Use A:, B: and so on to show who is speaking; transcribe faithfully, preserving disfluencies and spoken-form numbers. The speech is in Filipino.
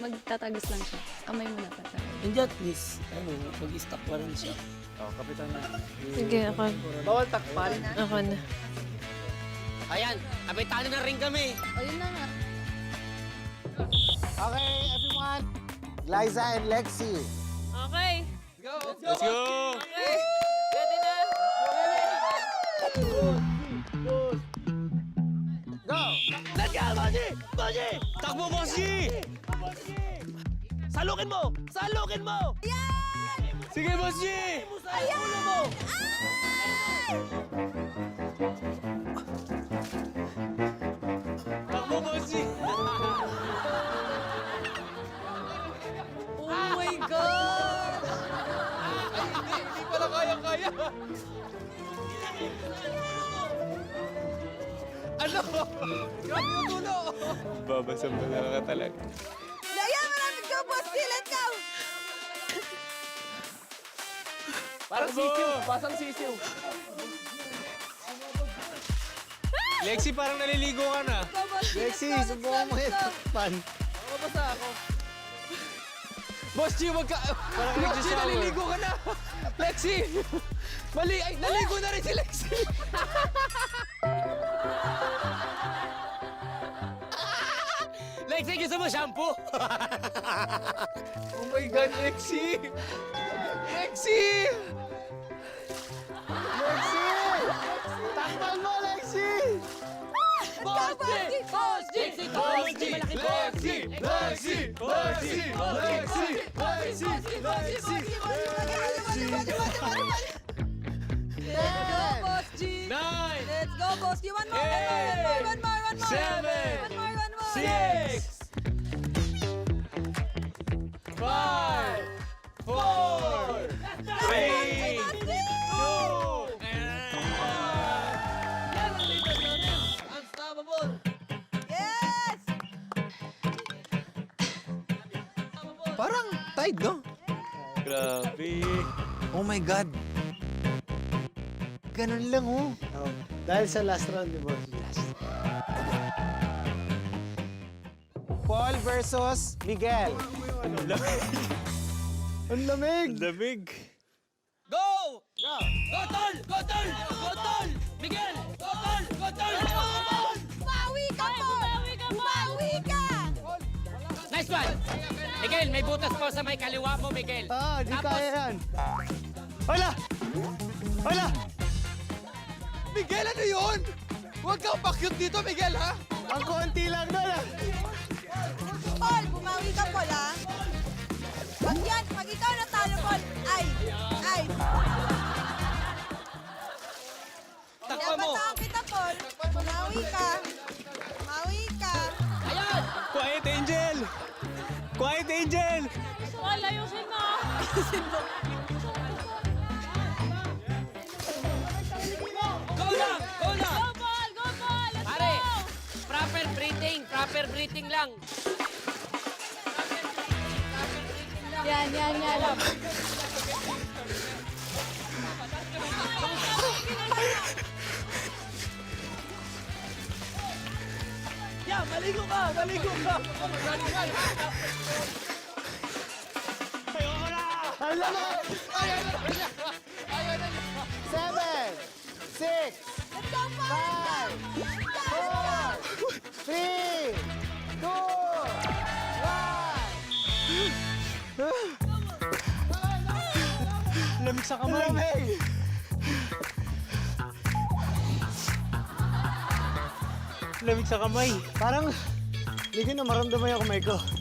A: magtatagos lang siya. Kamay mo na tatagos.
B: Hindi at least, ano, mag-stop pa rin siya.
C: Oh, kapitan na.
D: Sige, ako.
C: Bawal takpan.
D: Ako na.
B: Ayan, kapitano na rin kami.
A: O, yun na nga.
E: Okay, everyone. Liza and Lexi.
D: Okay.
C: Let's go!
D: Okay. Ready na?
E: Go!
B: Let's go, Bossy! Bossy!
C: Takbo, Bossy!
B: Salukin mo! Salukin mo!
C: Sige, Bossy!
B: Ulo mo!
C: Takbo, Bossy!
D: Oh my God!
C: Hindi pala kaya-kaya. Ano? Grabe yung tulo! Babasa-basa ka talaga.
D: Daya, malapit ka, Bossy! Let's go!
C: Parang sisiw. Pasang sisiw. Lexi, parang naliligo ka na.
E: Lexi, subukan mo yung takpan.
C: Mabasa ako. Boss G, wag ka...
E: Parang
C: Lexi,
E: nag-shower.
C: naliligo ka na. Lexi! Mali! Ay, naligo na rin si Lexi.
B: Lexi, gusto mo shampoo?
C: Oh my God, Lexi! Lexi!
E: Lexi! Takpan mo, Lexi!
B: Boss G! Boss G! Boss G! Malaki
C: Lexi! Lexi! Lexi! Lexi! Lexi! Lexi!
D: Let's go, Boss G!
C: Nine!
D: Let's go, Boss G! One more, one more, one more, one more, one more!
C: Seven!
D: One more, one more!
C: Six! Five! Four! Three! Two!
B: Unstoppable!
D: Yes!
E: Parang tied, no?
C: Grabe.
E: Oh my God. Ganun lang, oh. Dahil sa last round, di ba? Paul versus Miguel. Ang lamig!
C: Lamig.
B: Go! Go! Go, Tol! Go, Tol! Go, Tol! Miguel! Go, Tol! Go, Tol!
D: Bawi ka, Paul! Bawi ka!
B: Nice one! Miguel, may butas pa sa may kaliwa mo, Miguel.
E: Ah, di
B: Tapos,
E: kaya yan. Hala! Hala!
C: Miguel, ano yun? Huwag kang pakyut dito, Miguel, ha?
E: Ang konti lang doon, ah.
D: Paul, bumawi ka, Paul, ha? Pag yan, pag ikaw natalo, Paul, ay, ay.
B: takpa mo!
D: Dapat kita, Paul. Bumawi ka. Bumawi ka.
B: Ayan!
C: Quiet, Angel! Quiet, Angel!
D: Paul, ayusin mo.
B: Go lang! Go lang!
D: Go, Paul! Go, Paul! Let's
B: Pare,
D: go!
B: proper breathing. Proper breathing lang.
A: Yan, yan, yan.
B: Yeah, maligo ka! Maligo ka!
E: Ang lamig! Seven, six,
D: Let's go, Paul!
E: five, four, three, two, one.
C: Lamig sa kamay.
E: Lamig!
C: Lamig sa kamay.
E: Parang hindi ko na maramdaman yung kamay ko.